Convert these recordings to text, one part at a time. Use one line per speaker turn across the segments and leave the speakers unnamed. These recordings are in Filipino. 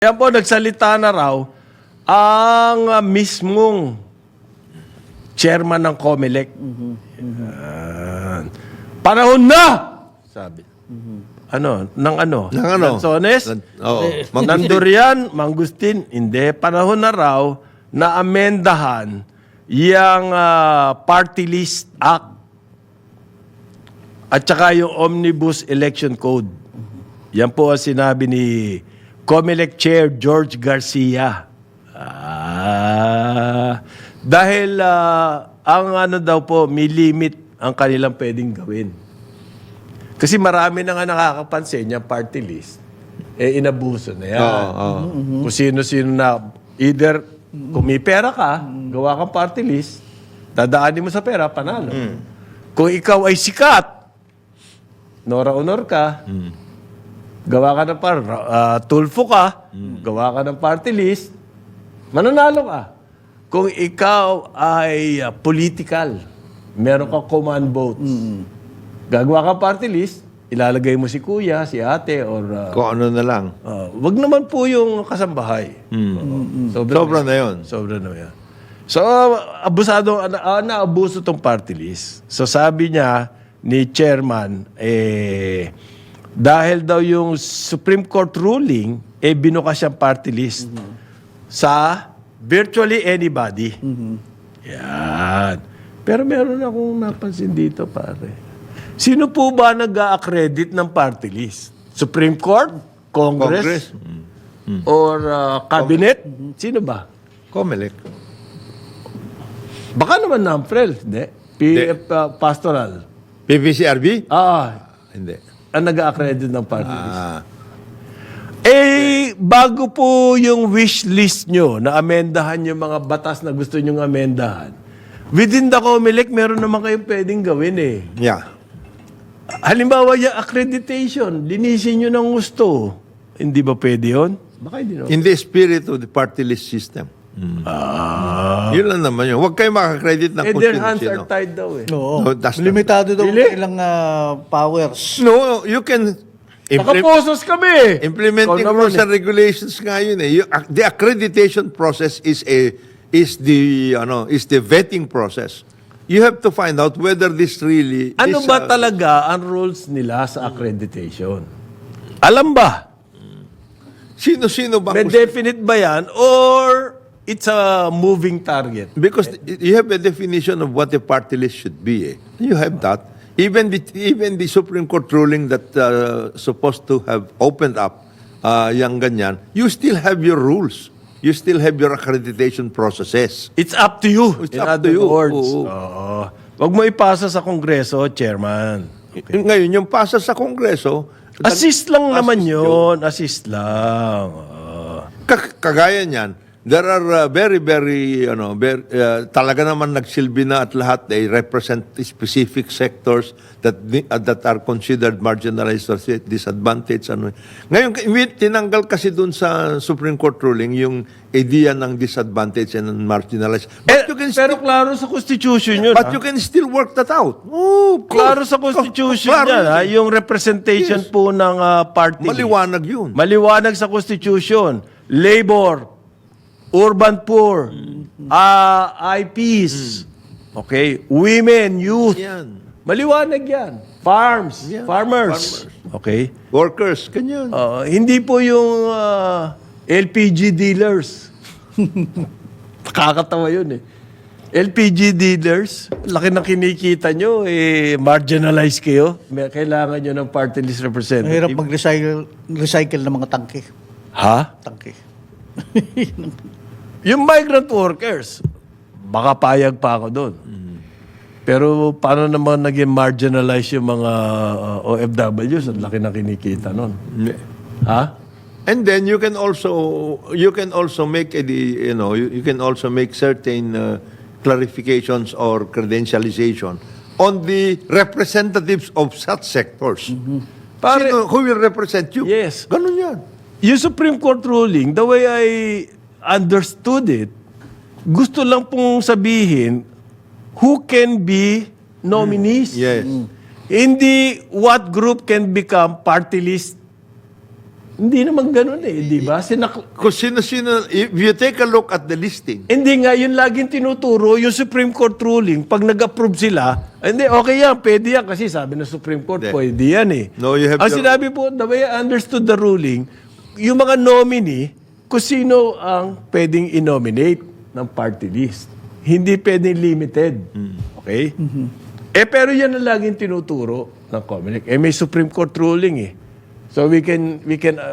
Kaya po, nagsalita na raw ang mismong chairman ng COMELEC. Yan. Panahon na! Sabi. Ano? Nang ano?
Nang ano?
Lanzones?
Oo.
Nang Durian? Mangustin? Hindi. Panahon na raw na amendahan yung Party List Act at saka yung Omnibus Election Code. Yan po ang sinabi ni COMELEC Chair George Garcia. Dahil ang ano daw po, may limit ang kanilang pwedeng gawin. Kasi marami na nga nakakapansin yung party list, inabuso na yan. Kung sino-sino na, either kung may pera ka, gawa kang party list, dadaanin mo sa pera, panalo. Kung ikaw ay sikat, Nora Honor ka, gawa ka ng tulfo ka, gawa ka ng party list, mananalo ka. Kung ikaw ay political, meron kang command votes, gagawa ka party list, ilalagay mo si kuya, si ate, or...
Kung ano na lang.
wag naman po yung kasambahay.
Sobra na yun.
Sobra na yan. So, naabuso tong party list. So, sabi niya ni chairman, dahil daw yung Supreme Court ruling, binuka siyang party list sa virtually anybody. Yan. Pero meron akong napansin dito, pare. Sino po ba nag-a-accredit ng party list? Supreme Court? Congress? Or Cabinet? Sino ba?
COMELEC.
Baka naman NAMFREL. Hindi. Pastoral.
PPCRB? Hindi.
Ang nag-a-accredit ng party list. Bago po yung wish list nyo na amendahan yung mga batas na gusto nyong amendahan, within the COMELEC, meron naman kayong pwedeng gawin
Yeah.
Halimbawa, yung accreditation, linisin nyo ng gusto. Hindi ba pwede yun? Baka hindi naman.
In the spirit of the party list system. Yun lang naman yun. Huwag kayo makakredit ng
Their hands are
sino.
tied daw
Oo.
No, that's not-
Limitado daw
Really?
ilang powers.
No, you can...
Nakaposos kami!
Implementing
Ikaw naman
rules and regulations nga yun the accreditation process is the vetting process. You have to find out whether this really
Ano
is,
ba talaga ang rules nila sa accreditation? Alam ba?
Sino-sino ba?
May definite ba yan? Or it's a moving target?
Because you have a definition of what a party list should be. You have that. Even the Supreme Court ruling that supposed to have opened up yung ganyan, you still have your rules. You still have your accreditation processes.
It's up to you.
It's
In
up to
other
you.
words.
Oo.
Oo. Wag mo ipasa sa Kongreso, Chairman.
Ngayon, yung pasa sa Kongreso,
Assist lang naman yun. Assist lang.
Kagaya niyan, there are talaga naman nagsilbi na at lahat, they represent specific sectors that are considered marginalized or disadvantaged. Ngayon, tinanggal kasi dun sa Supreme Court ruling yung idea ng disadvantaged and marginalized. But you can
Pero klaro sa Constitution yun.
But you can still work that out. Oh,
Klaro sa Constitution
klaro
yan.
yun.
Yung representation po ng party.
Maliwanag yun.
Maliwanag sa Constitution. Labor, urban poor, IPs, okay, women, youth.
Yan.
Maliwanag yan. Farms,
Yeah,
farmers. Okay.
Workers, ganyan.
Hindi po yung LPG dealers. Nakakatawa yun LPG dealers, laki ng kinikita nyo, marginalize kayo. Kailangan nyo ng party list representative.
Mahirap mag-recycle ng mga tangke.
Ha?
Tangke.
Yung migrant workers, baka payag pa ako doon. Pero paano naman naging marginalize yung mga OFWs? Ang laki na kinikita nun. Ha?
And then you can also make you can also make certain clarifications or credentialization on the representatives of such sectors. Who will represent you?
Yes.
Ganun yan.
Yung Supreme Court ruling, the way I understood it, gusto lang pong sabihin who can be nominees.
Yes.
Hindi what group can become party list Hindi naman ganun eh, di ba?
Kung sino-sino, if you take a look at the listing,
Hindi nga, yun laging tinuturo, yung Supreme Court ruling, pag nag-approve sila, hindi, okay yan, pwede yan, kasi sabi ng Supreme Court,
Hindi.
pwede yan eh.
No, you have
Ang
to-
sinabi po, the way I understood the ruling, yung mga nominee, kung sino ang pwedeng i-nominate ng party list. Hindi pwedeng limited. Okay? Pero yan ang laging tinuturo ng COMELEC. May Supreme Court ruling eh. So we can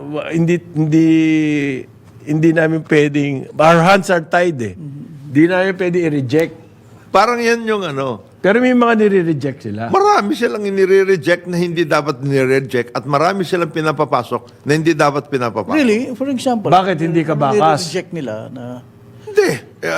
hindi namin pwedeng, our hands are tied eh. Hindi namin pwedeng i-reject.
parang yan yung ano,
Pero may mga nire-reject sila.
marami silang inire-reject na hindi dapat nire-reject at marami silang pinapapasok na hindi dapat pinapapasok.
Really? For example.
Bakit hindi ka bakas?
Reject nila na...
Hindi.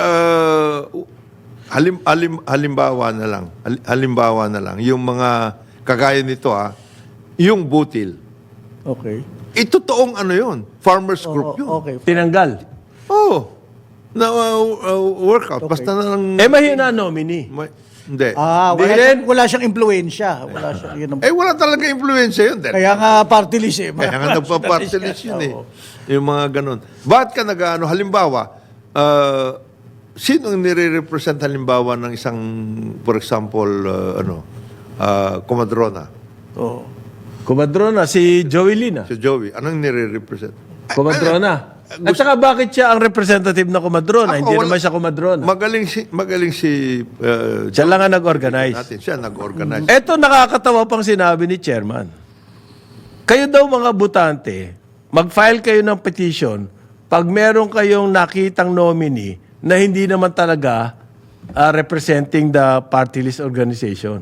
Halimbawa na lang. Yung mga kagaya nito yung butil.
Okay.
Totoong ano yun. Farmers group yun.
Okay.
Tinanggal.
Oh. Na workout. Basta na lang.
Mahina nominee.
Hindi.
Wala siyang impluensya. Wala siyang... Yun ang-
Wala talaga influensya yun.
Kaya nga party list eh.
Kaya nga nagpa-party list yun eh.
Oo.
Yung mga ganun. Bakit ka nag-ano? Halimbawa, sino ang nire-represent halimbawa ng isang, for example, Comadrona?
Oo.
Kumadrona, si Joey Lina.
Si Joey. Anong nire-represent?
Kumadrona. At saka bakit siya ang representative na kumadrona? Hindi naman siya kumadrona.
Magaling si
Siya lang ang nag-organize.
natin. Siya nag-organize.
Eto nakakatawa pang sinabi ni Chairman. Kayo daw mga butante, mag-file kayo ng petition pag meron kayong nakitang nominee na hindi naman talaga representing the party list organization.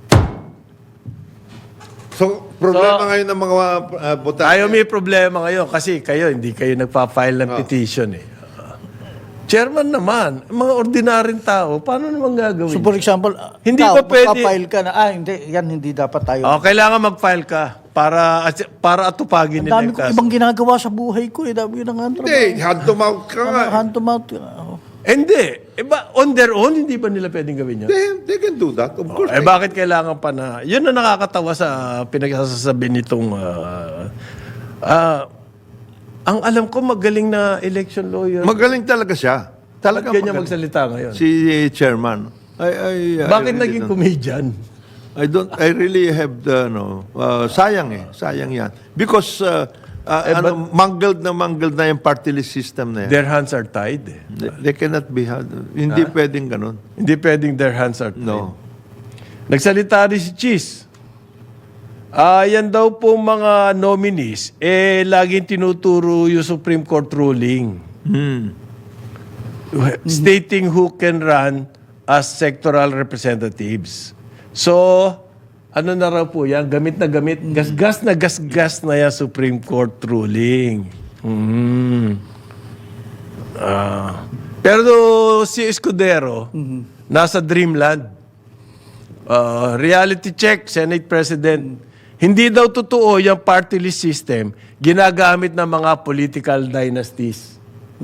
So, problema ngayon ng mga botante.
Tayo may problema ngayon kasi kayo, hindi kayo nagpa-file ng petition eh. Chairman naman, mga ordinaryong tao, paano naman gagawin?
So for example,
Hindi
ikaw,
ba pwede-
magpa-file ka na, hindi dapat tayo.
Kailangan mag-file ka para atupagin
Ang
nila
dami
yung
ko
kaso.
ibang ginagawa sa buhay ko. Dami yun ang
Hindi, hand to mouth ka nga.
Hand to mouth.
Hindi. On their own, hindi ba nila pwedeng gawin yun?
They can do that. Of course.
Bakit kailangan pa na... Yun na nakakatawa sa pinagsasabi nitong... ang alam ko, magaling na election lawyer.
Magaling talaga siya.
Talaga
Talaga
ganyan
magaling.
magsalita ngayon.
Si chairman. I
Bakit
really
naging
don't-
comedian?
I really have the, sayang yan. Because, mangled na yung party list system na yan.
Their hands are tied. Eh.
They cannot be had. Hindi pwedeng ganun.
Hindi pwedeng their hands are tied.
No.
Nagsalita rin si Cheese. Yan daw po mga nominees, laging tinuturo yung Supreme Court ruling. Stating who can run as sectoral representatives. So, ano na raw po yan? Gamit na gamit. Gasgas na yan Supreme Court ruling. Pero si Escudero, nasa dreamland. Reality check, Senate President. Hindi daw totoo yung party list system ginagamit ng mga political dynasties.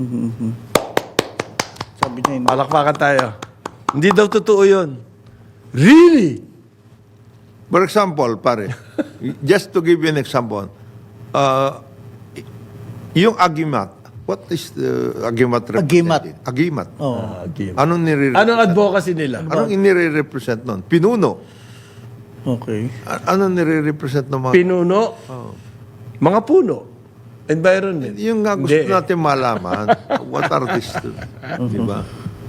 Sabi niya yun.
Palakpakan tayo. Hindi daw totoo yun. Really?
For example, pare, just to give you an example, yung agimat, what is the agimat representing? Agimat. Anong nire-represent?
Anong advocacy nila?
Anong inire-represent nun? Pinuno.
Okay.
Anong nire-represent ng mga...
Pinuno? Mga puno. Environment.
Yung nga gusto
Hindi.
natin malaman, what are these? Di ba?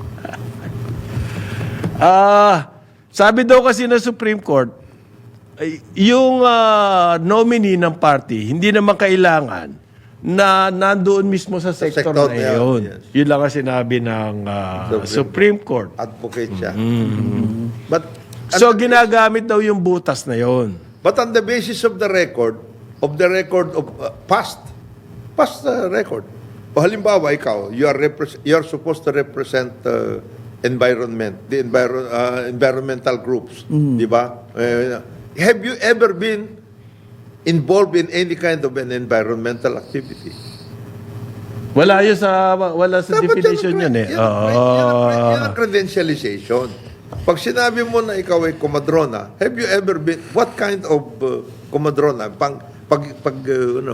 Sabi daw kasi ng Supreme Court, yung nominee ng party, hindi naman kailangan na nandoon mismo sa sector
sector
na
na yun,
yun.
yes.
Yun lang ang sinabi ng Supreme Court.
Advocate siya. But,
So, ginagamit daw yung butas na yun.
but on the basis of the record of past record. O halimbawa, ikaw, you are supposed to represent environment, the environmental groups, di ba? Have you ever been involved in any kind of an environmental activity?
Wala sa
Dapat
definition yun eh.
Yan ang credentialization. Pag sinabi mo na ikaw ay komadrona, have you ever been, what kind of komadrona?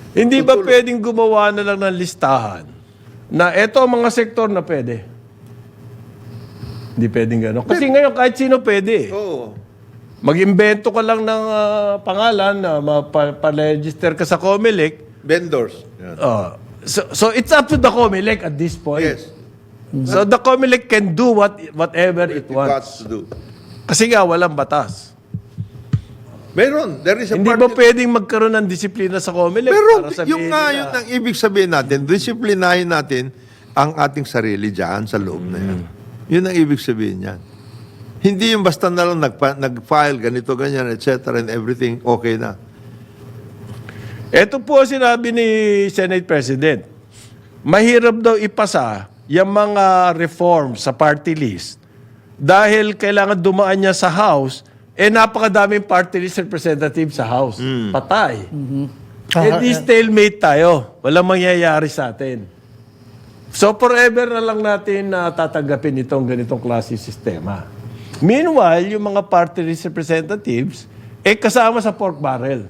Hindi ba pwedeng gumawa na lang ng listahan na eto ang mga sektor na pwede? Hindi pwedeng gano'n. Kasi ngayon kahit sino pwede.
Oo.
Mag-imbento ka lang ng pangalan na pa-register ka sa COMELEC.
Vendors. Yan.
So it's up to the COMELEC at this point.
Yes.
So the COMELEC can do whatever it
It got
wants.
to do.
Kasi nga walang batas.
Meron. There is a
Hindi ba
party.
pwedeng magkaroon ng disiplina sa COMELEC?
Pero
para sabihin
yung nga,
nila,
yun ang ibig sabihin natin, disiplinahin natin ang ating sarili dyan sa loob na yan. Yun ang ibig sabihin yan. Hindi yung basta na lang nag-file, ganito, ganyan, etc. and everything, okay na.
Ito po sinabi ni Senate President. Mahirap daw ipasa yung mga reforms sa party list dahil kailangan dumaan niya sa House, napakadaming party list representative sa House. Patay. Di stalemate tayo. Walang mangyayari sa atin. So forever na lang natin tatanggapin itong ganitong klase sistema. Meanwhile, yung mga party list representatives, kasama sa pork barrel.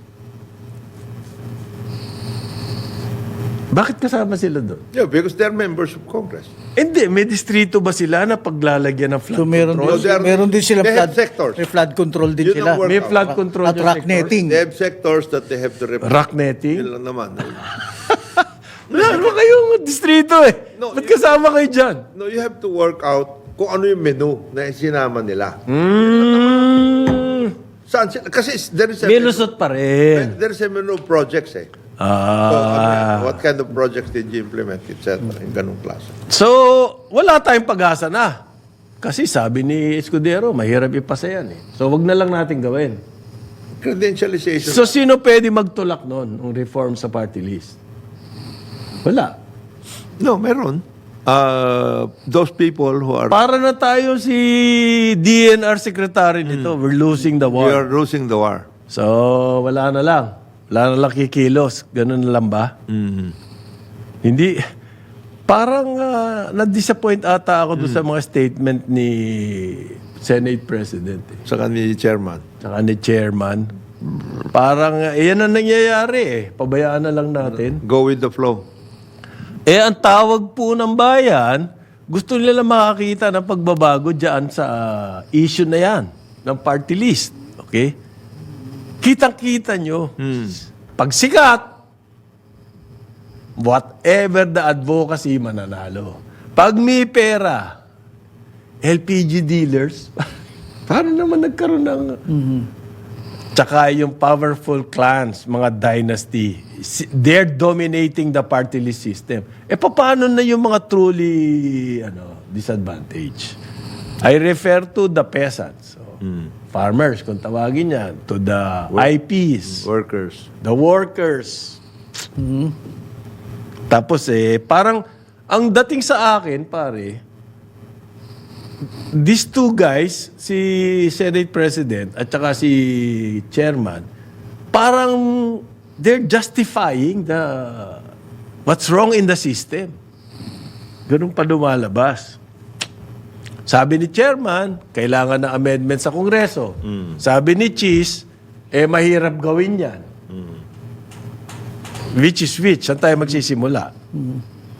Bakit kasama sila doon?
Yeah, because they're members of Congress.
Hindi, may distrito ba sila na paglalagyan ng flood
So meron
control?
din, meron din sila
They have
flood
sectors.
may flood control din
Yun
sila.
ang work
May
out.
flood control
At
yung
rock
sectors?
netting.
They have sectors that they have to represent.
Rock netting?
Yun lang naman.
Wala naman kayong distrito eh.
No,
Ba't kasama kayo dyan?
No, you have to work out kung ano yung menu na sinama nila. Saan sila? Kasi there is a
May lusot pa rin.
There is a menu of projects eh. So, ano yan? What kind of projects did you implement, etc. Yung ganong klase.
So, wala tayong pag-asa na. Kasi sabi ni Escudero, mahirap ipasa yan eh. So, wag na lang natin gawin.
Credentialization.
So, sino pwede magtulak nun ng reform sa party list? Wala.
No, meron. Those people who are...
Para na tayo si DNR secretary nito. We're losing the
We
war.
are losing the war.
So, wala na lang. Wala na lang kikilos. Ganun na lang ba? Hindi. Parang na-disappoint ata ako doon sa mga statement ni Senate President.
Saka ni Chairman.
Saka ni Chairman. Parang, yan ang nangyayari eh. Pabayaan na lang natin.
Go with the flow.
Ang tawag po ng bayan, gusto nila makakita ng pagbabago dyan sa issue na yan, ng party list. Okay? Kitang-kita nyo. Pag sikat, whatever the advocacy, mananalo. Pag may pera, LPG dealers, paano naman nagkaroon ng... Tsaka yung powerful clans, mga dynasty, they're dominating the party list system. Paano na yung mga truly disadvantaged? I refer to the peasants. So, farmers, kung tawagin yan, to the IPs,
Workers.
the workers. Tapos parang, ang dating sa akin, pare, these two guys, si Senate President at saka si Chairman, parang they're justifying what's wrong in the system. Ganun pa lumalabas. Sabi ni Chairman, kailangan ng amendment sa Kongreso. Sabi ni Cheese, mahirap gawin yan. Which is which? Saan tayo magsisimula?